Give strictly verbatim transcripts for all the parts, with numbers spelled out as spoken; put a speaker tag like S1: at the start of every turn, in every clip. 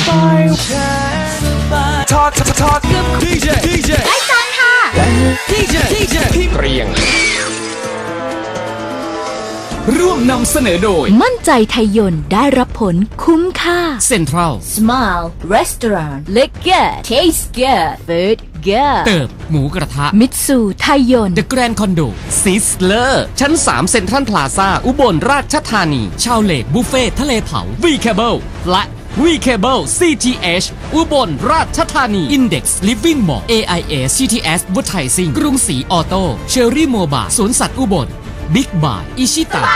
S1: ทอดทอดกับดีเจดีเจไอ้จันค่ะดีเจดีเจเรียงร่วมนำเสนอโดย
S2: มั่นใจไทยยนต์ได้รับผลคุ้มค่า
S1: Central
S2: Smile Restaurant Look Good Taste Good Food Good
S1: เติบหมูกระทะ
S2: มิตซูไทยยนต์
S1: The Grand Condo Sizzler ชั้นสามเซ็นทรัลพลาซ่าอุบลราชธานีชาวเลกบุฟเฟ่ทะเลเผา V-Cable และ V-Cable ซี ที เอช อุบลราชธานี Index Living Mall เอ ไอ เอส ซี ที เอส Advertising กรุงศรีออโต้เชอรี่โมบายสวนสัตว์อุบลบิ๊กบายอิชิตะ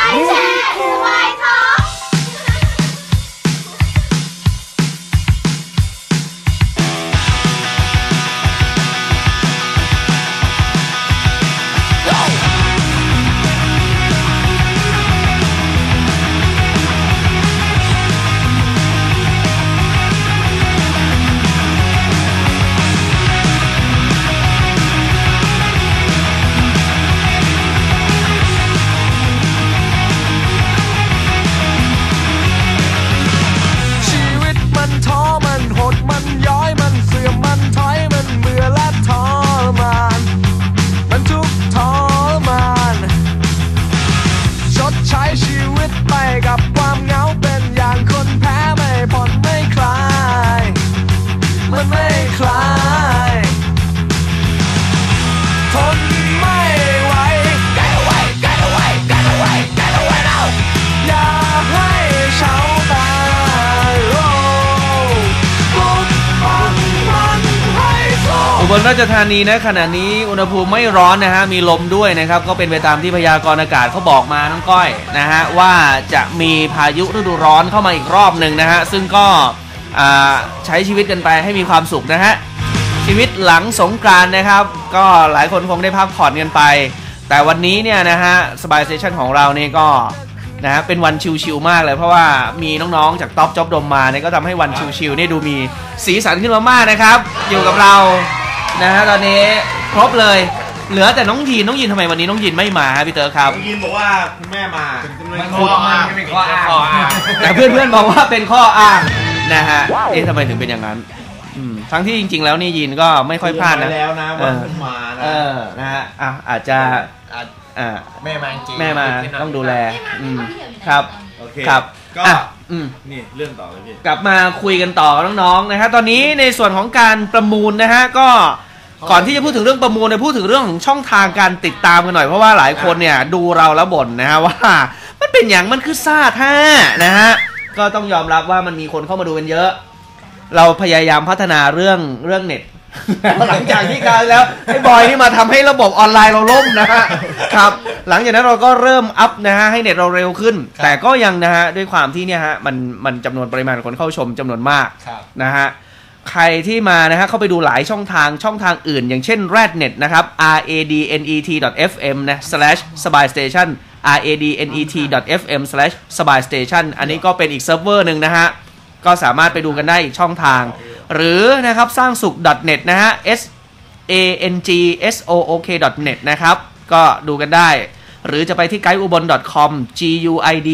S3: อุบลราชธานีนะขณะนี้อุณหภูมิไม่ร้อนนะฮะมีลมด้วยนะครับก็เป็นไปตามที่พยากรณ์อากาศเขาบอกมาน้องก้อยนะฮะว่าจะมีพายุฤดูร้อนเข้ามาอีกรอบหนึ่งนะฮะซึ่งก็ใช้ชีวิตกันไปให้มีความสุขนะฮะชีวิตหลังสงกรานต์นะครับก็หลายคนคงได้พักผ่อนกันไปแต่วันนี้เนี่ยนะฮะสบายสเตชันของเรานี่ก็นะฮะเป็นวันชิลๆมากเลยเพราะว่ามีน้องๆจากท็อปจ็อบดมมาเนี่ยก็ทำให้วันชิลๆนี่ดูมีสีสันขึ้นมามากนะครับอยู่กับเรานะฮะตอนนี้ครบเลยเหลือแต่น้องยีนน้องยีนทำไมวันนี้น้องยีนไม่มาฮะพี่เต๋อครับ
S4: น้องยีนบอกว่าคุณแม่มา
S3: เป็นข้ออ้างเป็นข้ออ้างแต่เพื่อนๆบอกว่าเป็นข้ออ้างนะฮะเอ๊ะทำไมถึงเป็นอย่างนั้นทั้งที่จริงๆแล้วนี่ยีนก็ไม่ค่อยพลาดนะ
S4: แล้วนะว่าคุณมานะ
S3: เออนะฮะอ่ะอาจจะอ่า
S4: แม่มาจริง
S3: แม่มาต้องดูแลอืมครับ
S4: โอเค
S3: ครับ
S4: ก็นี่เรื่องต่อเลยพี่
S3: กลับมาคุยกันต่อกับน้องๆนะฮะตอนนี้ในส่วนของการประมูลนะฮะก็ก่อนที่จะพูดถึงเรื่องประมูลเนี่ยพูดถึงเรื่องของช่องทางการติดตามกันหน่อยเพราะว่าหลายคนเนี่ยดูเราแล้วบ่นนะฮะว่ามันเป็นอย่างมันคือซาท่านะฮะก็ต้องยอมรับว่ามันมีคนเข้ามาดูกันเยอะเราพยายามพัฒนาเรื่องเรื่องเน็ตหลังจากที่การแล้วไอ้บอยนี่มาทำให้ระบบออนไลน์เราล่มนะฮะครับหลังจากนั้นเราก็เริ่มอัพนะฮะให้เน็ตเราเร็วขึ้นแต่ก็ยังนะฮะด้วยความที่เนี่ยฮะมันมันจำนวนปริมาณคนเข้าชมจำนวนมากนะฮะใครที่มานะฮะเข้าไปดูหลายช่องทางช่องทางอื่นอย่างเช่น radnet นะครับ r a d n e t dot f m นะ slash สบายสเตชัน r a d n e t dot f m slash สบายสเตชันอันนี้ก็เป็นอีกเซิร์ฟเวอร์หนึ่งนะฮะก็สามารถไปดูกันได้อีกช่องทางหรือนะครับสร้างสุข .net นะฮะ s a n g s o o k .net นะครับก็ดูกันได้หรือจะไปที่ guide ubon dot com g u i d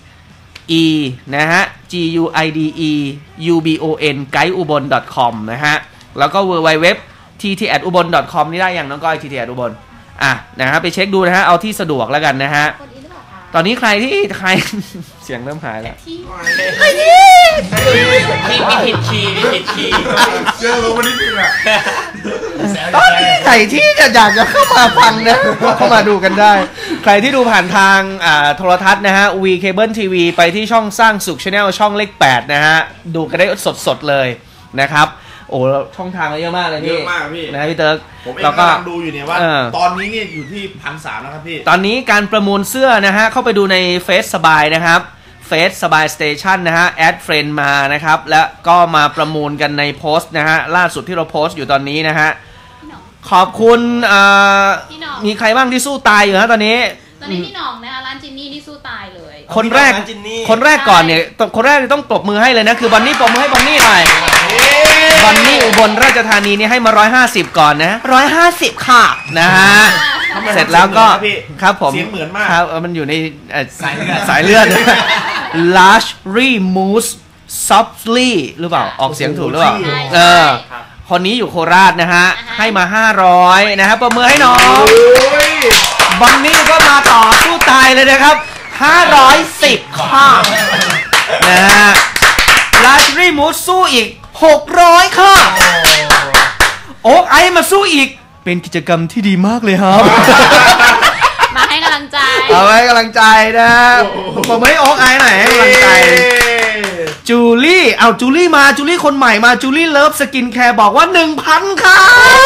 S3: e นะฮะ g u i d e u b o n guide ubon dot com นะฮะแล้วก็ double-u double-u double-u ดอท ที ที แอท อุบล ดอท คอม นี่ได้อย่างน้องก้อย ที ที แอท อุบลอ่ะนะฮะไปเช็คดูนะฮะเอาที่สะดวกแล้วกันนะฮะตอนนี้ใครที่ใครเสียงเริ่มหายแล้ว
S4: ใครที่มีมีผิดคีย์มีผิดคีย์เจอลงมานิดนึงอ่ะ
S3: ตอนนี้ใครที่จะอยากจะเข้ามาฟังนะเข้ามาดูกันได้ใครที่ดูผ่านทางอ่าโทรทัศน์นะฮะ V Cable ที วี ไปที่ช่องสร้างสุข Channel ช่องเลขแปดนะฮะดูกันได้สดๆเลยนะครับโอ้ช่องทางเยอะมากเลยพี่
S4: เยอะมากพี่
S3: นะพี่เติร์ก
S4: ผมเองกำลังดูอยู่เนี่ยว่าตอนนี้เนี่ยอยู่ที่พันสามแล้วครับพี่
S3: ตอนนี้การประมูลเสื้อนะฮะเข้าไปดูในเฟซสบายนะครับเฟซสบายสเตชันนะฮะแอดเฟรนด์มานะครับแล้วก็มาประมูลกันในโพสต์นะฮะล่าสุดที่เราโพสต์อยู่ตอนนี้นะฮะขอบคุณมีใครบ้างที่สู้ตายอยู่ฮะตอนนี้
S5: ตอนนี้พี่หน่องนะคะร้านจินนี่นี่สู้ตายเลย
S3: คนแรกคนแรกก่อนเนี่ยคนแรกต้องปรบมือให้เลยนะคือบอนนี่ปรบมือให้บอนนี่หน่อยบอนนี่อุบลราชธานีนี่ให้มาหนึ่งร้อยห้าสิบก่อนนะหนึ่งร้อยห้าสิบค่ะนะฮะเสร็จแล้วก็ครับผม
S4: เสียงเหมือนมาก
S3: ครับมันอยู่ในสายเลือดสายเลือด large remousse Softly หรือเปล่าออกเสียงถูกหรือเปล่า
S5: ใช่
S3: เออคนนี้อยู่โคราชนะฮะให้มาห้าร้อยนะฮะประเมินให้น้องบันนี่ก็มาต่อสู้ตายเลยนะครับห้าร้อยสิบค่ะนะฮะลาชรีมูสสู้อีกหกร้อยค่ะโอ๊กไอมาสู้อีกเป็นกิจกรรมที่ดีมากเลยครับ
S5: มาให้กำลังใจ
S3: เอาไว้กำลังใจนะผมไม่โอ๊กไอหน่อยให้กำลังใจจูลี่เอาจูลี่มาจูลี่คนใหม่มาจูลี่เลิฟสกินแคร์บอกว่า หนึ่งพัน ค่ะ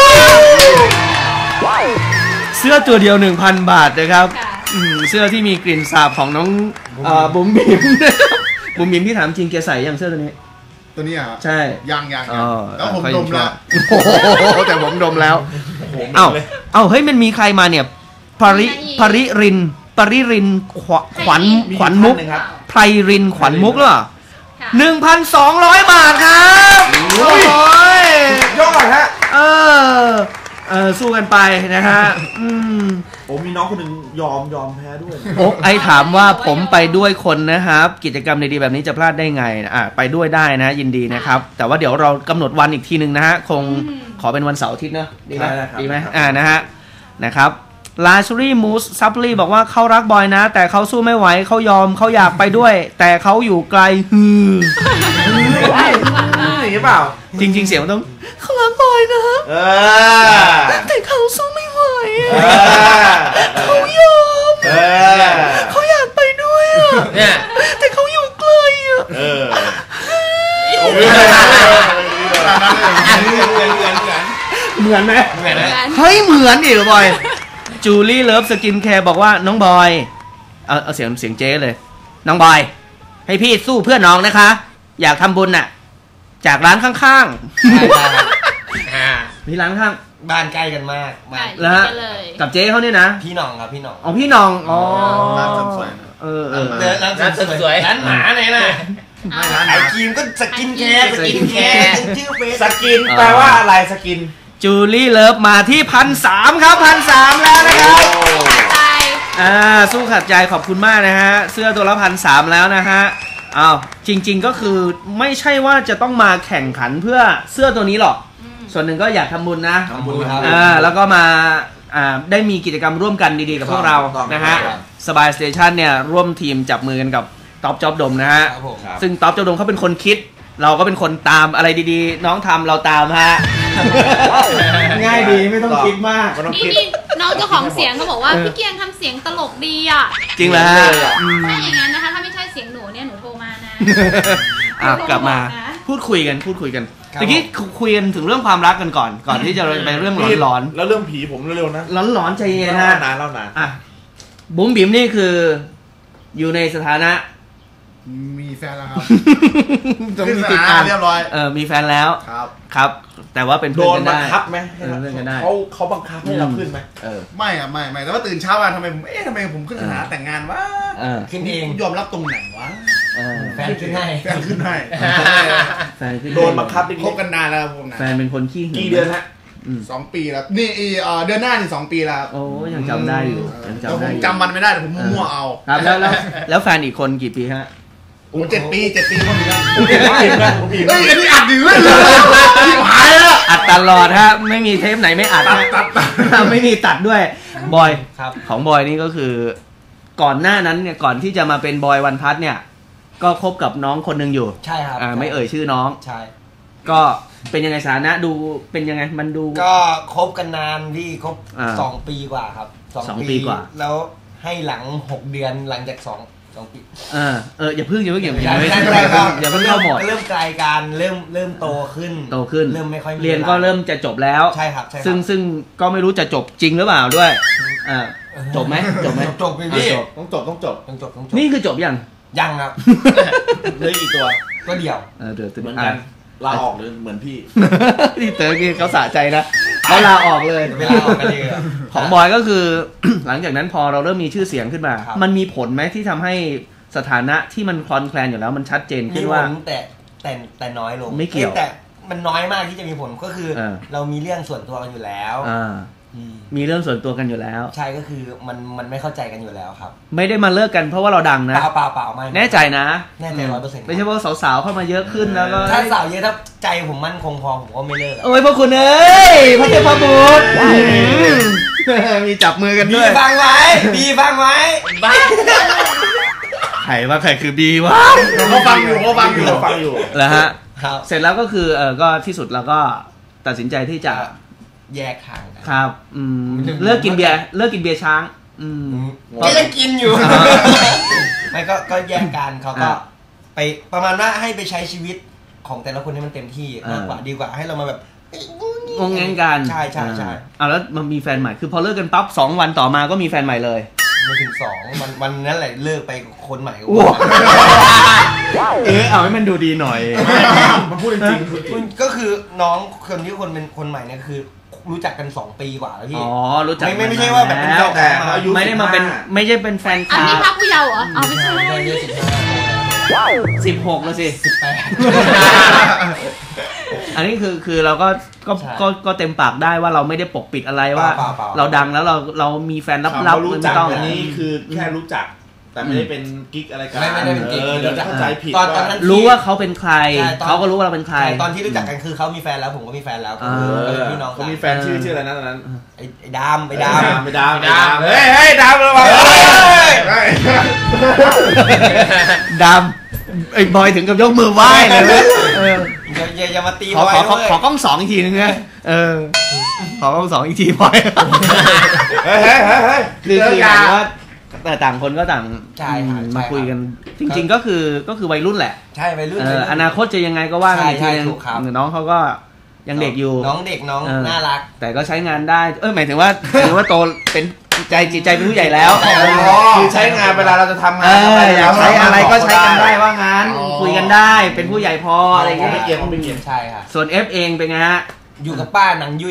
S3: เสื้อตัวเดียว หนึ่งพัน บาทนะครับอืมเสื้อที่มีกลิ่นสาบของน้องเอ่อบุ๋มบิ๋มบุ๋มบิ๋มที่ถามจริงแกใส่ยังเสื้อตัวนี้
S6: ตัวนี้อ่ะ
S3: ใช่
S6: ยังยัง
S3: อ๋อ
S6: แล้วผมดมแล้ว
S3: โอ้โหแต่ผมดมแล้วเอ้าเอ้าเฮ้ยมันมีใครมาเนี่ยปริปริรินปริรินขวขวัญขวัญมุกไพรรินขวัญมุกหรือเปล่าหนึ่งพันสองร้อยบาทครับโอ้ย
S4: ยอดฮะ
S3: เออเออสู้กันไปนะฮะอืม
S4: โอ้มีน้องคนหนึ่งยอมยอมแพ้ด้วย
S3: โอ๊กไอถามว่าผมไปด้วยคนนะครับกิจกรรมดีๆแบบนี้จะพลาดได้ไงอ่ะไปด้วยได้นะยินดีนะครับแต่ว่าเดี๋ยวเรากำหนดวันอีกทีหนึ่งนะฮะคงขอเป็นวันเสาร์อาทิตย์เนอะดีไหมดีไหมอ่านะฮะนะครับลาชูรี่มูสซับลี่บอกว่าเขารักบอยนะแต่เขาสู้ไม่ไหวเขายอมเขาอยากไปด้วยแต่เขาอยู่ไกลฮือ
S4: อย่างนี้เปล่า
S3: จริงๆเสียงมันต้องเขารักบอยนะ
S4: เออ
S3: แต่เขาสู้ไม่ไหวเขายอมเขาอยากไปด้วยอ่ะแต่เขาอยู่ไกลอ่ะ
S4: เออเหมือนไหมเหมือน
S3: เฮ้ยเหมือนดิบอยจูลี่เลิฟสกินแคร์บอกว่าน้องบอยเอาเอาเสียงเสียงเจ๊เลยน้องบอยให้พี่สู้เพื่อน้องนะคะอยากทำบุญน่ะจากร้านข้างๆมีร้านข้าง
S7: บ้านใกล้กันมาก
S3: แล้วฮะกับเจ๊เขาเนี่ยนะ
S7: พี่น้องครับพี่น้อง
S3: อ๋อพี่น้องอ๋อ
S6: ร้านสวย
S3: เออเออ
S7: ร้านสวยร้านหมาไหนน่ะไอครีมก็สกินแคร์สกินแคร์ชื่อเฟซ
S4: สกินแปลว่าอะไรสกิน
S3: จูลี่เลิฟมาที่พันสามครับพันสามแล้วนะครับอ่าสู้ขัดใจขอบคุณมากนะฮะเสื้อตัวละพันสามแล้วนะฮะอ้าวจริงๆก็คือไม่ใช่ว่าจะต้องมาแข่งขันเพื่อเสื้อตัวนี้หรอกส่วนหนึ่งก็อยากทำบุญนะ
S7: ทำบุญครับ
S3: อ่าแล้วก็มาอ่าได้มีกิจกรรมร่วมกันดีๆกับพวกเรานะฮะสบายสเตชันเนี่ยร่วมทีมจับมือกันกับท็อปจ๊อบดมนะฮะซึ่งท็อปจ๊อบดมเขาเป็นคนคิดเราก็เป็นคนตามอะไรดีๆน้องทำเราตามฮะง่ายดีไม่ต้องคิดมาก
S5: นี่นี่น้องเจ้าของเสียงเขาบอกว่าพี่เกียงทำเสียงตลกดีอ่ะ
S3: จริงเหรอฮะ
S5: ถ้าอย่างนั้นนะคะถ้าไม่ใช่เสียงหนูเนี่ยหนูโทรมานะ
S3: อ่ะกลับมาพูดคุยกันพูดคุยกันตะกี้คุยกันถึงเรื่องความรักกันก่อนก่อนที่จะไปเรื่องหลอน
S4: ๆแล้วเรื่องผีผมเร็วๆนะ
S3: หลอนๆใจเย็นนะ
S4: นานเล่านาน
S3: อ่ะบุ๋มบิ๋มนี่คืออยู่ในสถานะ
S6: มีแฟนแล้วครับ
S3: จะมีติดตามเรียบร้อยเออมีแฟนแล้วครับครับแต่ว่าเป็นเพื่อนกันได้
S4: โดนบังคับไหมเขาเขาบังคับให้เราขึ้นไหม
S6: เออไม่อะไม่ไม่แต่ว่าตื่นเช้ามาทำไมผมเอ๊ะทำไมผมขึ้นสถานะแต่งงานวะ
S7: ขึ้นเอง
S6: ยอมรับตรงไหนวะ
S7: แฟนขึ้นให้
S6: แฟนขึ้นให้
S3: แฟนขึ้น
S4: โดนบังคับ
S6: คบกันนานแล้วผมนะ
S3: แฟนเป็นคนขี้หึง
S4: กี่เดือนฮะ
S6: สองปีแล้วนี่เดือนหน้านี่สองปีแล้ว
S3: โอ้ยังจำได้อยู่
S6: ยังจำได้จำมันไม่ได้แต่ผมมั่วเอา
S3: ครับแล้วแล้วแล้วแฟนอีกคนกี่ปีฮะ
S6: โอ้เจ็ดปีเจ็ดปีคนนี้แล้วเฮ้ยอันนี้อัดอยู่เลยหายแล้ว
S3: อัดตลอดฮะไม่มีเทปไหนไม่อัดไม่มีตัดด้วยบอยของบอยนี่ก็คือก่อนหน้านั้นเนี่ยก่อนที่จะมาเป็นบอยวันพัทเนี่ยก็คบกับน้องคนหนึ่งอยู่
S7: ใช่ครับ
S3: อ่าไม่เอ่ยชื่อน้อง
S7: ใช่
S3: ก็เป็นยังไงสถานะดูเป็นยังไงมันดู
S7: ก็คบกันนานพี่คบสองปีกว่าครับ
S3: สองปีกว่า
S7: แล้วให้หลังหกเดือนหลังจากสองสองปี
S3: เออเอออย่าเพิ่งอย่าเพิ่งอย่าเพิ่งอย่าเพิ่ง
S7: อย่าเพิ่งเข้าหมดเริ่มไกลกันเริ่มเริ่มโตขึ้น
S3: โตขึ้น
S7: เริ่มไม่ค่อย
S3: เรียนก็เริ่มจะจบแล้ว
S7: ใช่ครับใช่
S3: ซึ่งซึ่งก็ไม่รู้จะจบจริงหรือเปล่าด้วยอ่าจบไหมจบไหม
S7: จบพี่
S4: ต้องจบต้องจบ
S7: ต้องจบต้องจบ
S3: นี่คือจบยัง
S7: ยังครับ
S4: เลยอีกตัว
S7: ก็เดี่ยว
S3: เออเดี๋ยว
S4: เหมือนกันลาออกเลยเหมือนพี่
S3: ที่เต๋อกี้เขาสะใจนะเขาลาออกเลย
S7: เวลาออกกันเลย
S3: ของบอยก็คือหลังจากนั้นพอเราเริ่มมีชื่อเสียงขึ้นมามันมีผลไหมที่ทำให้สถานะที่มันคลอนแคลนอยู่แล้วมันชัดเจนขึ้นว่า
S7: แต่แต่แต่น้อยลง
S3: ไม่เกี่ยว
S7: แต่มันน้อยมากที่จะมีผลก็คือเรามีเรื่องส่วนตัวกันอยู่แล้ว
S3: มีเรื่องส่วนตัวกันอยู่แล้ว
S7: ใช่ก็คือมันมันไม่เข้าใจกันอยู่แล้วครับ
S3: ไม่ได้มาเลิกกันเพราะว่าเราดังนะ
S7: เปล่าเปล่าเปล่าไม่
S3: แน่ใจนะ
S7: แน่ใจร้อยเปอร์เซ็นต์
S3: ไม่ใช่ว่าสาวๆเข้ามาเยอะขึ้นแล้วก็
S7: ถ้าสาวเยอะถ้าใจผมมั่นคงพอผมก็ไม่เลิก
S3: โอ้ยพวกคุณเอ้ยพระเจ้าพระบุตรมีจับมือกันด้วย
S7: บีฟังไว้บีฟังไว้
S3: บ้าใครว่าใครคือบีวะ
S6: เขาฟังอยู่เขาฟังอยู่เขาฟังอยู่
S3: แล้วฮะเสร็จแล้วก็คือเออก็ที่สุดเราก็ตัดสินใจที่จะ
S7: แยกทางกัน
S3: ครับอืมเลิกกินเบียร์เลิกกินเบียร์ช้างอืม
S7: ก็ยังกินอยู่ไม่ก็ก็แยกกันเขาก็ไปประมาณว่าให้ไปใช้ชีวิตของแต่ละคนให้มันเต็มที่มากกว่าดีกว่าให้เรามาแบบ
S3: งงแงงกัน
S7: ใช่ใช่ใช่
S3: อ่ะแล้วมันมีแฟนใหม่คือพอเลิกกันปั๊บสองวันต่อมาก็มีแฟนใหม่เลย
S7: ไม่ถึงสองวันวันนั้นแหละเลิกไปคนใหม่
S3: เออเอาให้มันดูดีหน่อย
S6: มันพูดจริง
S7: ก็คือน้องคนที่คนเป็นคนใหม่เนี่ยคือรู้จักกันสองปีกว่าแล้วพี่
S3: อ๋อรู้จัก
S7: ไม่ไม่ใช่ว่าแบบเป็นแฟนแต่
S3: ไม่ได้มาเป็นไม่ใช่เป็นแฟนคลับ
S5: อันนี้พักผู้เยาว์เหรอเอาไม่ใช่
S3: สิบหกแล้วสิ
S7: สิบแปด
S3: อันนี้คือคือเราก็ก็ก็ก็เต็มปากได้ว่าเราไม่ได้ปกปิดอะไรว่าเราดังแล้วเราเรามีแฟนลับๆ
S6: ไม่ต้องอันนี้คือแค่รู้จักแต่ไม่ได้เป็นกิ๊กอะไรกัน
S7: ไม่ได้เป็นกิ๊ก
S6: เดี๋ยวจะเข้าใจผิด
S7: ตอนตอนนั้น
S3: รู้ว่าเขาเป็นใครเขาก็รู้ว่าเราเป็นใคร
S7: ตอนที่รู้จักกันคือเขามีแฟนแล้วผมก็มีแฟนแล้วก็คือพี่น้อง
S6: เขามีแฟนชื่อชื่ออะไรนะตอนนั้น
S7: ไอ้ไอ้ดามไอ้ดาม
S6: ไอ้ดามไอ้ดามเฮ้ยเฮ้ยดามระวัง
S3: ดามไอ้บอยถึงกับยกมือไหว้เลย
S7: อย่าอย่ามาตี
S3: บอยขอขอกล้องสองอีกทีนึงนะเออขอกล้องสองอีกทีบอย
S6: เฮ้ยเฮ้ยเฮ้ย
S3: คือคือว่าแต่ต่างคนก็ต่างมาคุยกันจริงๆก็คือก็คือวัยรุ่นแหละ
S7: ใช่วัยรุ่น
S3: อนาคตจะยังไงก็ว่ากันอีกทีนึงน้องเขาก็ยังเด็กอยู่
S7: น้องเด็กน้องน่ารัก
S3: แต่ก็ใช้งานได้เออหมายถึงว่าถือว่าโตเป็นใจจิตใจเป็นผู้ใหญ่แล้ว
S6: คือใช้งานเวลาเราจะทำงาน
S3: อยากใช้อะไรก็ใช้กันได้ว่างั้นคุยกันได้เป็นผู้ใหญ่พออะไรอย่างเงี้ย
S6: ไม่เกี่ยวไม่เกี่ยว
S7: ใช่ค่ะ
S3: ส่วน F เองเป็นไงฮะ
S7: อยู่กับป้าหนังยุ่ย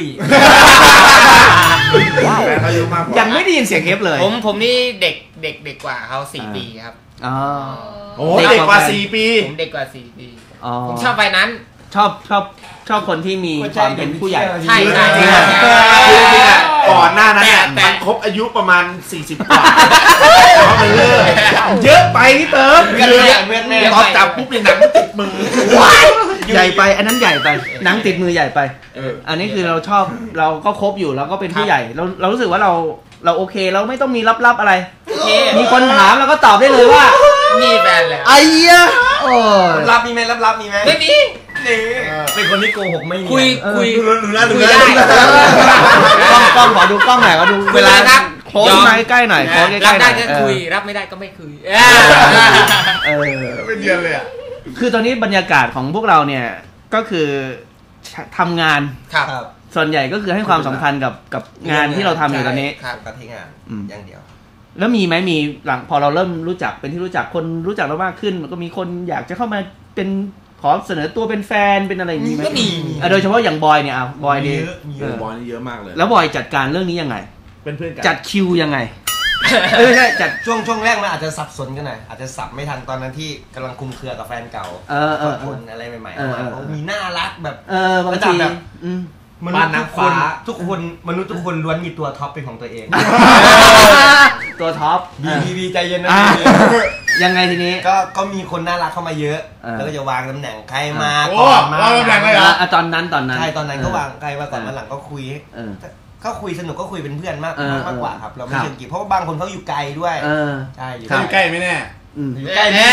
S3: ยังไม่ได้ยินเสียง F เลย
S4: ผมผมนี่เด็กเด็กเด็กกว่าเขาสี่ปีครับ
S3: อ๋อ
S6: โอ้เด็กกว่าสี่ปี
S4: ผมเด็กกว่าสี่ปีผมชอบไปนั้น
S3: ชอบชอบชอบคนที่มีความเป็นผู้ใหญ่
S4: ใช่ใช่
S6: จริงๆก่อนหน้านั้นมันครบอายุประมาณสี่สิบกว่ามันเลิก
S3: เยอะไปพี่เติม
S6: ตอนจับปุ๊บเนี่ยหนังติดมือ
S3: ใหญ่ไปอันนั้นใหญ่ไปหนังติดมือใหญ่ไปอันนี้คือเราชอบเราก็คบอยู่แล้วก็เป็นผู้ใหญ่เราเรารู้สึกว่าเราเราโอเคเราไม่ต้องมีลับๆอะไรมีคนถามเราก็ตอบได้เลยว่า
S4: มีแฟนแล้ว
S3: ไอ้เหี้ยโอ้
S7: รับมีไหมรับรับมีไหม
S4: ไม่มี
S7: เป็นคนที่โกหกไม่มี
S4: คุยคุย
S6: ดูแลดูแล
S3: กล้องกล้องขอดูกล้องหน่อยขอดูเวลาโค้งใกล้ๆหน่อยโค้งใกล้ๆ
S4: รับได้ก็คุยรับไม่ได้ก็ไม่คุยเอ
S3: อ
S6: ไม่เดียนเลยอ่ะ
S3: คือตอนนี้บรรยากาศของพวกเราเนี่ยก็คือทำงาน
S7: ครับ
S3: ส่วนใหญ่ก็คือให้ความสำคัญกับกับงานที่เราทำอยู่ตอนนี้
S7: ครับกับที่งานอย่างเดียว
S3: แล้วมีไหมมีหลังพอเราเริ่มรู้จักเป็นที่รู้จักคนรู้จักเรามากขึ้นมันก็มีคนอยากจะเข้ามาเป็นขอเสนอตัวเป็นแฟนเป็นอะไรอย่างนี้ไหม
S7: ก็มี
S3: โดยเฉพาะอย่างบอยเนี่ยอ่ะบอยนี่
S6: บอยนี่เยอะมากเลย
S3: แล้วบอยจัดการเรื่องนี้ยังไง
S6: เป็นเพื่อนกัน
S3: จัดคิวยังไงไม่ใช่จัด
S7: ช่วงช่วงแรกมันอาจจะสับสนกันหน่อยอาจจะสับไม่ทันตอนนั้นที่กำลังคุมเครือกับแฟนเก่า
S3: เออเออ
S7: คนอะไรใหม่ๆเขามีน่ารักแบบ
S3: เออบางทีแบบ
S7: มนุษย์ทุกคนทุกคนมนุษย์ทุกคนล้วนมีตัวท็อปเป็นของตัวเอง
S3: ตัวท็อป
S7: บีบีบีใจเย็นนะ
S3: ยังไงทีนี้
S7: ก็ก็มีคนน่ารักเข้ามาเยอะแล้วก็จะวางตำแหน่งใครมา
S6: ก่อนมาตำแหน่งเลยเหรอ
S3: ตอนนั้นตอนนั้น
S7: ใช่ตอนนั้นก็วางใครมาก่อนมาหลังก็คุยก็คุยสนุกก็คุยเป็นเพื่อนมากมากกว่าครับเราไม่เชิงกีบเพราะว่าบางคนเขาอยู่ไกลด้วยใช่
S6: อยู่ใกล้ไม่แน่
S7: อยู่ใกล้แน่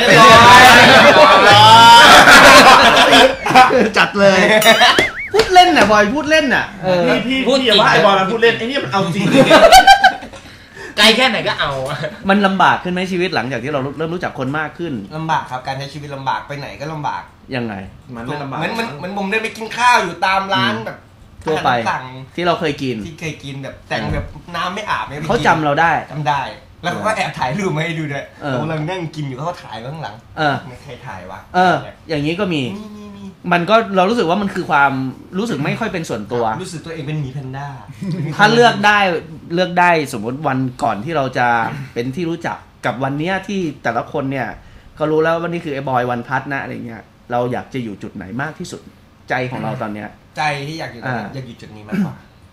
S3: จัดเลยพูดเล่นน่ะบอยพูดเล่นน่ะ
S6: พี่พี่พูดอย่าว่าไอ้บอยมันพูดเล่นไอ้นี่มันเอาจริง
S4: ไกลแค่ไหนก็เอา
S3: มันลำบากขึ้นไหมชีวิตหลังจากที่เราเริ่มรู้จักคนมากขึ้น
S7: ลำบากครับการใช้ชีวิตลำบากไปไหนก็ลำบาก
S3: ยังไง
S7: มันไม่ลำบากเหมือนเหมือนผมเดินไปกินข้าวอยู่ตามร้านแบบ
S3: ทั่วไปที่เราเคยกิน
S7: ที่เคยกินแบบแต่งแบบน้ำไม่อาบไม่
S3: เขาจำเราได้
S7: จำได้แล้วเขาก็แอบถ่ายรูปมาให้ดูด้วยเรากำลังนั่งกินอยู่เขาถ่ายข้างหลังไม่ใครถ่ายวะ
S3: เอออย่างนี้ก็มีมันก็เรารู้สึกว่ามันคือความรู้สึกไม่ค่อยเป็นส่วนตัว
S7: รู้สึกตัวเองเป็นหมีแพนด้า
S3: ถ้าเลือกได้เลือกได้สมมติวันก่อนที่เราจะเป็นที่รู้จักกับวันนี้ที่แต่ละคนเนี่ยก็รู้แล้วว่านี่คือไอ้บอยวันพัทนะอะไรเงี้ยเราอยากจะอยู่จุดไหนมากที่สุดใจของเราตอนเนี้ย
S7: ใจที่อยากอยู่ตอนนี้อยากอยู่จุดนี้มากกว่า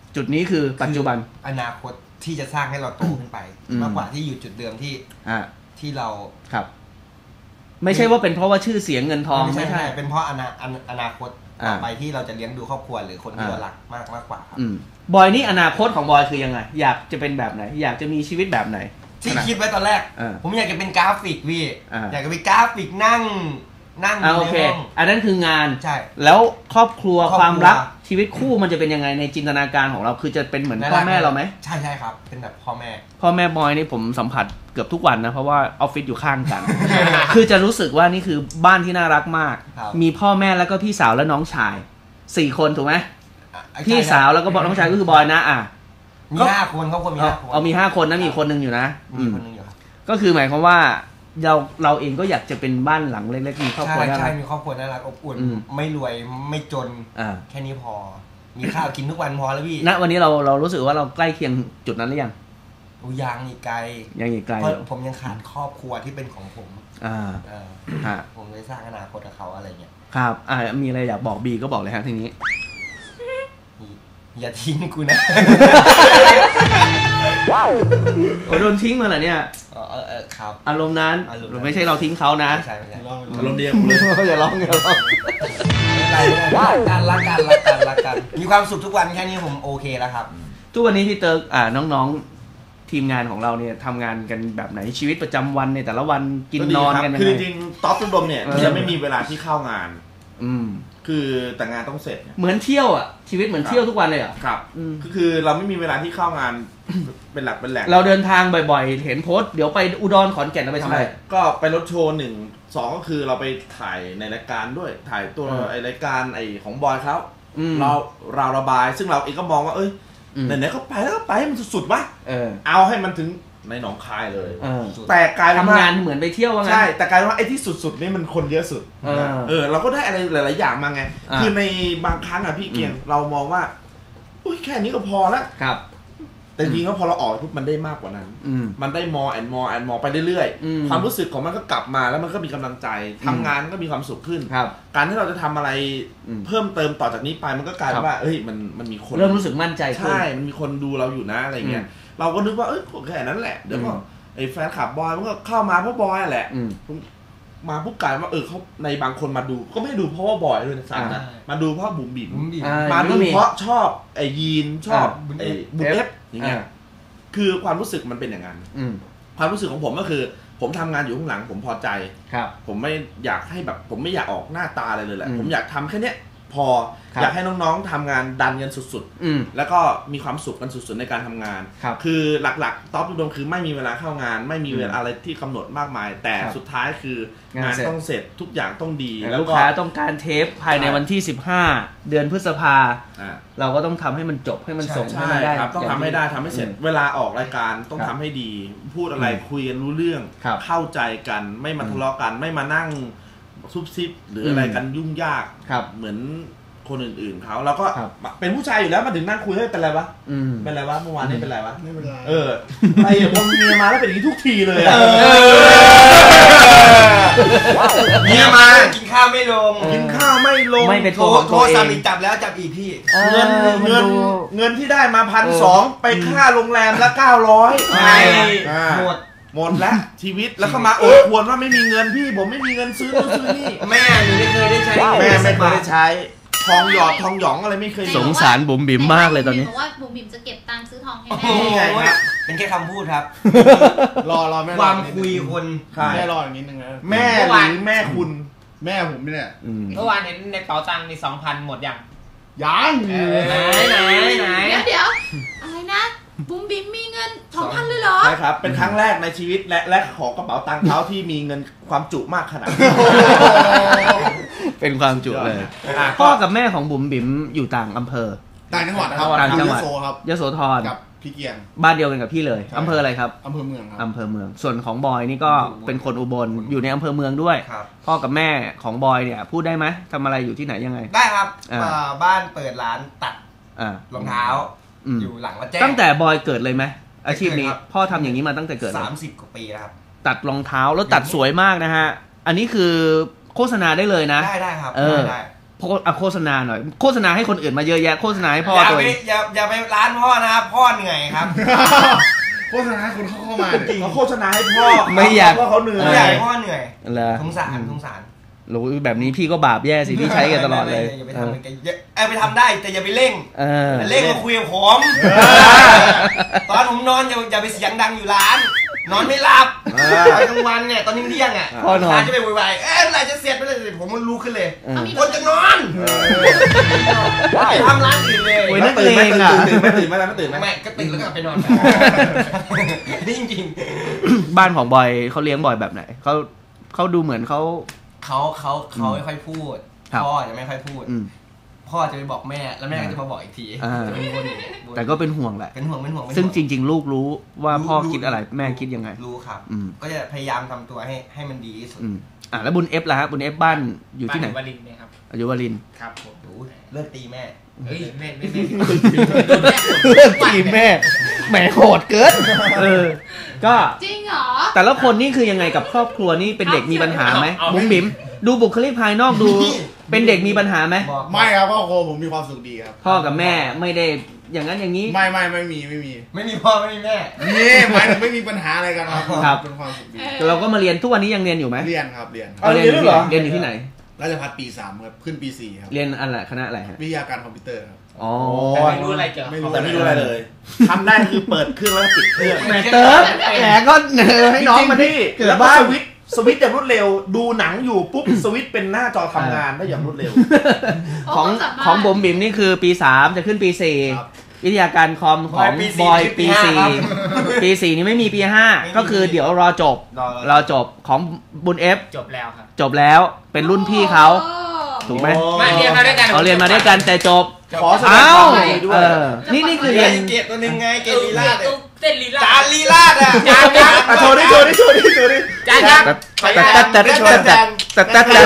S3: จุดนี้คือปัจจุบัน
S7: อนาคตที่จะสร้างให้เราโตขึ้นไปมากกว่าที่อยู่จุดเดิมที่ที่เรา
S3: ครับไม่ใช่ว่าเป็นเพราะว่าชื่อเสียงเงินทอง
S7: ไม่ใช่เป็นเพราะอนาอนาคตต่อไปที่เราจะเลี้ยงดูครอบครัวหรือคนที่เรารักมากมากกว่าครับ
S3: บอยนี่อนาคตของบอยคือยังไงอยากจะเป็นแบบไหนอยากจะมีชีวิตแบบไหน
S7: ที่คิดไว้ตอนแรกผมอยากจะเป็นกราฟิกพี่อยากจะเป็นกราฟิกนั่งนั่ง
S3: โอเคอันนั้นคืองาน
S7: ใช่
S3: แล้วครอบครัวความรักชีวิตคู่มันจะเป็นยังไงในจินตนาการของเราคือจะเป็นเหมือนพ่อแม่เราไหม
S7: ใช่ใช่ครับเป็นแบบพ่อแม่
S3: พ่อแม่บอยนี่ผมสัมผัสเกือบทุกวันนะเพราะว่าออฟฟิศอยู่ข้างกัน คือจะรู้สึกว่านี่คือบ้านที่น่ารักมากมีพ่อแม่แล้วก็พี่สาวและน้องชายสี่คนถูกไหมพี่สาวแล้วก็บอกน้องชายก็คือบอยนะอ่ะ
S7: มีห้าคนเขาคนมีห้าคน
S3: เอามีห้าคนนะมีคนนึงอยู่นะ
S7: มีคนนึงอยู่ครับ
S3: ก็คือหมายความว่าเราเราเองก็อยากจะเป็นบ้านหลังเล็กๆมีครอบครัว
S7: ใช่ใช่มีครอบครัวน่ารักอบอุ่นไม่รวยไม่จนแค่นี้พอมีข้าวกินทุกวันพอแล้วพี่
S3: ณวันนี้เราเรารู้สึกว่าเราใกล้เคียงจุดนั้นหรือยัง
S7: ยังอีกไกล
S3: ยังอีกไกล
S7: เพราะผมยังขาดครอบครัวที่เป็นของผม
S3: อ่า
S7: อ่าผมเลยสร้างอนาคตกับเขาอะไรเงี้ย
S3: ครับอ่ามีอะไรอยากบอกบีก็บอกเลยครับทีนี้
S7: อย่าทิ้งกูนะ
S3: ว้าวโดนทิ้งมาเหรอเนี่ย
S7: เออเออครับ
S3: อารมณ์นั้นไม่ใช่เราทิ้งเขานะ
S7: ใช่ไม่ใช่
S6: อารมณ์เดียวเลย
S3: อย่าร้องอย่าร้อง
S7: รักกันรักกันรักกันรักกันมีความสุขทุกวันแค่นี้ผมโอเคแล้วครับ
S3: ทุกวันนี้พี่เติร์กอ่าน้องๆทีมงานของเราเนี่ยทำงานกันแบบไหนชีวิตประจำวันในแต่ละวันกินนอนกันยังไง
S6: คือจริงๆท็อปตุ้มดมเนี่ยจะไม่มีเวลาที่เข้างาน
S3: อืม
S6: คือแต่งานต้องเสร็จ
S3: เหมือนเที่ยวอ่ะชีวิตเหมือนเที่ยวทุกวันเลยอ่ะ
S6: ครับก็คือเราไม่มีเวลาที่เข้างานเป็นหลักเป็นแหล่ง
S3: เราเดินทางบ่อยๆเห็นโพสต์เดี๋ยวไปอุดรขอนแก่นเราไปทำอะไร
S6: ก็ไปรถโชว์หนึ่งสองก็คือเราไปถ่ายในรายการด้วยถ่ายตัวไอรายการไอของบอยเขาเราเราระบายซึ่งเราเองก็มองว่าเอ้ยไหนๆก็ไปแล้วก็ไปมันสุดๆวะเอาให้มันถึงในหนองคายเลยแต่กลายเป็น
S3: ทำงานเหมือนไปเที่ยวว่า
S6: งั้นใช่แต่กลายเป็นว่าไอ้ที่สุดๆนี่มันคนเยอะสุดเออเราก็ได้อะไรหลายๆอย่างมาไงคือในบางครั้งอะพี่เกียงเรามองว่าอุ้ยแค่นี้ก็พอแล้ว
S3: ครับ
S6: แต่จริงๆก็พอเราออกปุ๊บมันได้มากกว่านั้นมันได้ more and more and more ไปเรื่อยๆความรู้สึกของมันก็กลับมาแล้วมันก็มีกำลังใจทำงานก็มีความสุขขึ้นการที่เราจะทำอะไรเพิ่มเติมต่อจากนี้ไปมันก็กลายเป็นว่าเอ้ยมันมันมีคน
S3: เริ่มรู้สึกมั่นใจ
S6: ใช่มันมีคนดูเราอยู่นะอะไรเงี้ยเราก็นึกว่าเอ้ยแค่นั้นแหละเดี๋ยวก็ไอ้แฟนคลับบอยมันก็เข้ามาเพราะบอยแหละมาปุ๊บกลายว่าเออเขาในบางคนมาดูก็ไม่ดูเพราะว่าบอยด้วยนะนะมาดูเพราะบุ๋มบิ่มมาดูเพราะชอบไอ้ยีนชอบไอ้บุ๋มเอฟอย่างเงี้ยคือความรู้สึกมันเป็นอย่างนั้นความรู้สึกของผมก็คือผมทำงานอยู่ข้างหลังผมพอใจผมไม่อยากให้แบบผมไม่อยากออกหน้าตาอะไรเลยแหละผมอยากทำแค่เนี้ยพออยากให้น้องๆทำงานดันกันสุดๆแล้วก็มีความสุขกันสุดๆในการทำงานคือหลักๆท็อปรวมคือไม่มีเวลาเข้างานไม่มีเวลาอะไรที่กำหนดมากมายแต่สุดท้ายคืองานต้องเสร็จทุกอย่างต้องดี
S3: แล้วลูกค้าต้องการเทปภายในวันที่สิบห้าเดือนพฤษภาเราก็ต้องทำให้มันจบให้มันส่งให้มันได้
S6: ต้องทำให้ได้ทำให้เสร็จเวลาออกรายการต้องทำให้ดีพูดอะไรคุยกันรู้เรื่องเข้าใจกันไม่มาทะเลาะกันไม่มานั่งซุบซิบหรืออะไรกันยุ่งยากเหมือนคนอื่นๆเขาเราก็เป็นผู้ชายอยู่แล้วมาถึงนั่งคุยให้เป็นไรวะเป็นไรวะเมื่อวานนี้เป็นไรวะ
S7: ไม่เป็นไร
S6: เออไอ้พอเมียมาแล้วเป็นอย่างนี้ทุกทีเลย
S7: เมียมากินข้าวไม่ลง
S6: กินข้าวไม่ลง
S3: ไม่เป็น
S7: โทรโทรสั่งอีกจับแล้วจับอีกพี่
S6: เงินเงินเงินที่ได้มาพันสองไปค่าโรงแรมละเก้าร้อย
S7: หมด
S6: หมดแล้วชีวิตแล้วก็มาโอดควรว่าไม่มีเงินพี่ผมไม่มีเงินซื้อนู่นซื้อนี่
S7: แม่หนูไม่เคยได้ใช้
S6: แม่ไม่เคยได้ใช้ทองหยอดทองหยองอะไรไม่เคย
S3: สงสารบุ๋มบิ่มมากเลยตอนนี้
S5: บอกว่าบุ๋มบิ่มจะเก็บตังค์ซื้อทองให้แม่
S7: นี่ไงครับเป็นแค่คำพูดครับ
S6: รอรอแม่
S7: ความคุยคน
S6: แม่รออย่างนี้นึงนะแม่หรือแม่คุณแม่ผมเนี่ย
S4: เมื่อวานเห็นในเป๋าตังค์มีสองพันหมดยัง
S6: ยัง
S7: ไหนไหนไหน
S5: เดี๋ยวเดี๋ยวอะไรนะบุ๋มบิ่มมีเงินสองพันเลยเหรอ
S6: ใช่ครับเป็นครั้งแรกในชีวิตและและขอกระเป๋าตังค์เขาที่มีเงินความจุมากขนาดนี้
S3: เป็นความจุเลยพ่อกับแม่ของบุ๋มบิ่มอยู่ต่างอำเภอ
S6: ต่างจังหวัดครับ
S3: ต่างจังหวัด
S6: ยโสครับ
S3: ยโสธร
S6: กับพี่เกียง
S3: บ้านเดียวกันกับพี่เลยอำเภออะไรครับ
S6: อำเภอเมืองครับ
S3: อำเภอเมืองส่วนของบอยนี่ก็เป็นคนอุบลอยู่ในอำเภอเมืองด้วยพ่อกับแม่ของบอยเนี่ยพูดได้ไหมทำอะไรอยู่ที่ไหนยังไง
S7: ได้ครับบ้านเปิดร้านตัดรองเท้าอยู่หลังวัดแจ้ง
S3: ตั้งแต่บอยเกิดเลยไหมอาชีพนี้พ่อทำอย่างนี้มาตั้งแต่เกิด
S7: สามสิบกว่าปีแล้วครับ
S3: ตัดรองเท้าแล้วตัดสวยมากนะฮะอันนี้คือโฆษณาได้เลยนะ
S7: ได้ได้ครับ
S3: เออโฆษณาหน่อยโฆษณาให้คนอื่นมาเยอะแยะโฆษณาให้พ่อ
S7: อย่า
S3: ตัว
S7: ไป
S3: เอง
S7: อย่าอย่าไปร้านพ่อนะครับพ่อเหนื่อยครับ
S6: โฆษณาให้คนเข้ามาจริงเขาโฆษณาให้พ่อ
S3: ไม่อยาก
S6: พ่อเขาเหนื่อ
S7: ไม่อยากให้พ่อเหนื่อย
S3: เหรอ
S7: สงสารสงสาร
S3: รู้แบบนี้พี่ก็บาปแย่สิพี่ใช้กันตลอดเลย
S7: อย่าไปทำมันอย่าเออไปทำได้แต่อย่าไปเร่ง
S3: เออ
S7: เร่งมาคุยกับผมตอนผมนอนอย่าอย่าไปเสียงดังอยู่ร้าน นอนไม่หลับตอนกลางวันเนี่ยตอนนี้เที่ยงอ่ะ
S3: พ่อนอน
S7: จะไปวุ่นวายเอ๊ะเมื่อไหร่จะเสร็จเมื่อไหร่จะเสร็จผมมันรู้ขึ้นเลย
S3: เออ
S7: คนจะนอนไปทำร้านอื่นเลย
S3: โอ้ย
S6: ไม่ตื่นไม่ตื่นตื่นไม่ตื่นไม่ตื่นไม่ตื่น
S7: ไม่ก็ตื่นแล้วก็ไปนอนนี่จริง
S3: บ้านของบอยเขาเลี้ยงบอยแบบไหนเขาเขาดูเหมือนเขา
S7: ๆเขาเขาเขาไม่ค่อยพูด
S3: ครับ
S7: พ่อจะไม่ค่อยพูด
S3: อืม
S7: พ่อจะไปบอกแม่แล้วแม่ก็จะมาบอกอีกที
S3: อ่า
S7: จะเป็นวนอย่างเงี้ยวน
S3: แต่ก็เป็นห่วงแหละ
S7: เป็นห่วงเป็นห่วงเป็นห่ว
S3: ซึ่งจริง ๆ ลูกรู้ว่าพ่อ
S7: รู้
S3: คิดอะไรแม่คิดยังไง
S7: รู้ครับ
S3: อืม
S7: ก็จะพยายามทำตัวให้ให้มันดีที่สุด
S3: อืมอ่ะแล้วบุญเอฟล่ะฮะบุญเอฟบ้านอยู่ที่ไหน
S4: บ้านวลินทร์เนี่ยครับ
S3: อยู่วารินทร์
S4: ครับผม
S7: โอ้ยเลิกตีแม่
S4: เฮ้ยแม่แม่แม่
S3: ทีมแม่แหมโหดเกินเออ ก็
S5: จริงเหรอ
S3: แต่ละคนนี่คือยังไงกับครอบครัวนี่เป็นเด็กมีปัญหาไหมบุ๋มบิ๋มดูบุคลิกภายนอกดู เป็นเด็กมีปัญหาไหม
S7: บอก
S6: ไม่ครับพ่อโคผมมีความสุขดีครับ
S3: พ่อกับแม่ไม่ได้อย่างนั้นอย่างนี้
S6: ไม่ไม่ไม่มีไม่มี
S7: ไม่มีพ่อไม่มีแม่
S6: นี่หมายถึงไม่มีปัญหาอะไรกันครับ
S3: ครับ
S6: เป็นความสุขดี
S3: เราก็มาเรียนทุกวันนี้ยังเรียนอยู่ไหม
S6: เรียนครับเรียน
S3: เอาเรียนอยู่ที่ไหนเรียนอยู่ที่ไหน
S6: ราชภัฏปีสามครับขึ้นปีสี่ครับ
S3: เรียนอะไรคณะอะไรฮะ
S6: วิทยาการคอมพิวเตอร์ครับ
S3: อ๋อ
S4: แต่ไม่รู้อะไรเกี่ยวกับ
S6: ไม่รู้
S4: เขา
S6: แต่ไม่รู้อะไรเลยทำได้คือเปิดเครื่องแล้วก็ปิดเครื่อง
S3: แหมเติร์ฟแหมก็เนอให้น้องมาที่เกิด
S6: แล้วก็
S3: บ้าน
S6: สวิตช์สวิตช์อย่างรวดเร็ว ดูหนังอยู่ปุ๊บสวิตช์เป็นหน้าจอทำงานได้อย่างรวดเร็ว
S3: ของของบุ๋มบิ๋มนี่คือปีสามจะขึ้นปีสี่
S6: ครับ
S3: วิทยาการคอมของ
S7: ปีสี่
S3: บอย
S7: ปี
S3: ปี
S7: ห้า
S3: สี่
S7: ครับ
S3: ปีสี่นี่ไม่มีปีห้า
S7: ไม่มี
S3: ก็คือเดี๋ยวรอจบ
S7: รอ
S3: รอจบของบุญเอฟ
S4: จบแล้วครับ
S3: จบแล้วเป็นรุ่นพี่เขาถูกไหม
S4: มาเรียนมาด้วยกัน
S3: เขาเรียนมาด้วยกันแต่จบ
S6: ขอแสดง
S3: เอ้า
S6: ความยินดีด้วย
S3: เออนี่นี่คือ
S7: เรี
S3: เรี
S7: ย
S3: ย
S7: น
S3: น
S7: เกตตัวหนึ่งไงเกตลีลาด
S4: ตุ๊กเต้นลีลา
S7: จานลีลาดอ่ะ
S4: จานครับ
S6: อ่ะโชว์ดิโชว์ดิโชว์ดิโชว์ดิ
S4: จานครับ
S3: แต่แต่แต่แต่แต่แต่แต่แต่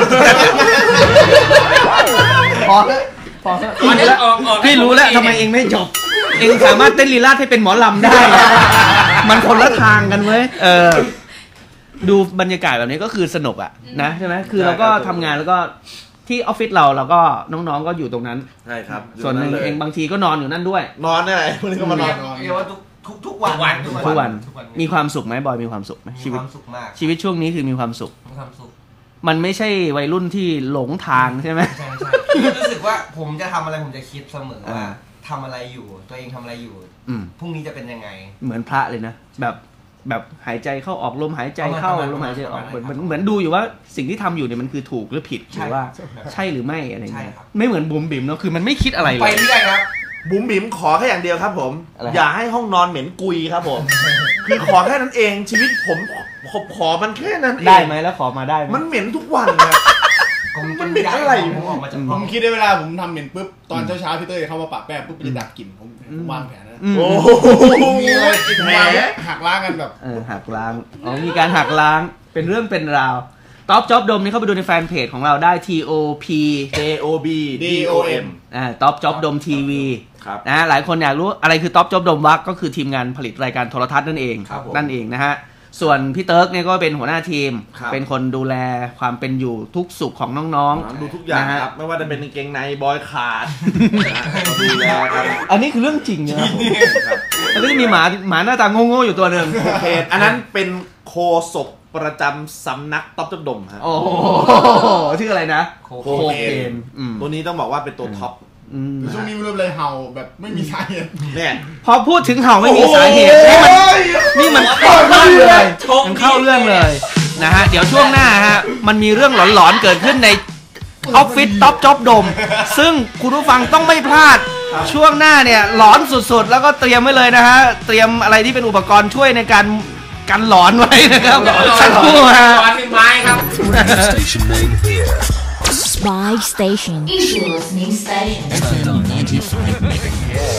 S3: พอแล้วพอแล้ว
S4: อ๋อเดี๋ยวออกออก
S3: พี่รู้แล้วทำไมเองไม่จบ เองสามารถเต้นลีลาดให้เป็นหมอลำได้ มันคนละทางกันเว้ยเออ ดูบรรยากาศแบบนี้ก็คือสนุกอ่ะนะใช่ไหมคือเราก็ทำงานแล้วก็ที่ออฟฟิศเราเราก็น้องๆก็อยู่ตรงนั้น
S6: ใช่ครับ
S3: ส่วนหนึ่งเองบางทีก็นอนอยู่นั่นด้วย
S6: นอนได้วันนี้ก็มานอน
S7: เรียกว่าทุกทุกทุกวัน
S3: ทุกวันมีความสุขไหมบอยมีความสุขไหม
S7: มี
S3: ชีวิ
S7: ค
S3: ต
S7: วามสุขมาก
S3: ชีวิตช่วงนี้คือมีความสุข
S7: มีความสุข
S3: มันไม่ใช่วัยรุ่นที่หลงทางใช่ไหม
S7: ใช่ใช่รู้สึกว่าผมจะทำอะไรผมจะคิดเสมอว่า
S3: อ่า
S7: ทำอะไรอยู่ตัวเองทำอะไรอยู่
S3: อืม
S7: พรุ่งนี้จะเป็นยังไง
S3: เหมือนพระเลยนะแบบแบบหายใจเข้าออกลมหายใจเข้า
S7: ประมาณ
S3: ลมหายใจออก
S7: ประ
S3: เห
S7: มา
S3: มือน
S7: ณ
S3: เหมือนเหมือนดูอยู่ว่าสิ่งที่ทำอยู่เนี่ยมันคือถูกหรือผิดห
S7: ใช่
S3: รือว่า
S7: ใช่
S3: ใช่หรือไม่อะไร
S7: ใช่
S3: เงี้ย
S7: ครับ
S3: ไม่เหมือนบุ๋มบิ๋มเนาะคือมันไม่คิดอะไรเล
S7: ไป
S3: ย
S7: เรื่อยครับ
S6: บุ๋มบิ๋มขอแค่อย่างเดียวครับผม
S3: อะไร
S6: อย่าให้ห้องนอนเหม็นกุยครับผม คือขอแค่นั้นเองชีวิตผมขอขอมันแค่นั้นเอง
S3: ได้ไหมแล้วขอมาได้ไหม
S6: มันเหม็นทุกวันนะ
S7: ผม
S6: มันเป็นอะไร
S7: ผมออกมาจาก
S6: ผ
S7: ห้อง
S6: มคิดได้เวลาผมทำเหม็นปุ๊บตอนเช้าๆพี่เต้ยเข้ามาปะแป้งปุ๊บจะดักกลิ่นผมผมวางแผนนะ
S3: อืม
S6: โอ้โหมีอะไรกินแหมหักล้างกันแบบ
S3: เออหักล้างอ๋อมีการหักล้างเป็นเรื่องเป็นราวท็อปจ็อบดมนี่เข้าไปดูในแฟนเพจของเราได้ T O P
S6: J O B D O M
S3: อ่าท็อปจ็อบดมทีวี
S6: ครับ
S3: นะหลายคนอยากรู้อะไรคือท็อปจ็อบดมวักก็คือทีมงานผลิตรายการโทรทัศน์นั่นเอง
S6: ครับผม
S3: นั่นเองนะฮะส่วนพี่เติร์กเนี่ยก็เป็นหัวหน้าทีม
S6: ครับ
S3: เป็นคนดูแลความเป็นอยู่ทุกสุขของน้องๆ
S6: ดูทุกอย่าง
S3: นะฮะ
S6: ครับ ไม่ว่าจะเป็นกางเกงในบอยขาดนะก็ดูแลกัน
S3: อันนี้คือเรื่องจริงนะครับแล้วก็จะมีหมาหมาหน้าตาโง่ๆอยู่ตัวหนึ่ง
S6: โอเคอันนั้นเป็นโคศกประจำสำนักต๊อบจดดมฮะ
S3: โอ้โหชื่ออะไรนะ
S6: โค
S3: โค
S6: เคน
S3: เคนอืม
S6: ตัวนี้ต้องบอกว่าเป็นตัวท็อป
S3: อืม
S8: ช่วงนี้ไม่รู้เลยเห่าแบบไม่มีสาเหตุ
S6: เนี่ย
S3: พอพูดถึงเห่าไม่มีสาเหตุนี่มันนี่มันเข้าเรื่องเลยมันเข้าเรื่องเลยนะฮะเดี๋ยวช่วงหน้าฮะมันมีเรื่องหลอนๆเกิดขึ้นในออฟฟิศท็อปจ็อบดมซึ่งคุณผู้ฟังต้องไม่พลาดช่วงหน้าเนี่ยหลอนสุดๆ แล้วก็เตรียมไว้เลยนะฮะเตรียมอะไรที่เป็นอุปกรณ์ช่วยในการกันหลอนไว้นะครับสักครู่ฮะ
S4: ตอนเป็นไม้ครับ
S2: Spy Station. Is your listening station.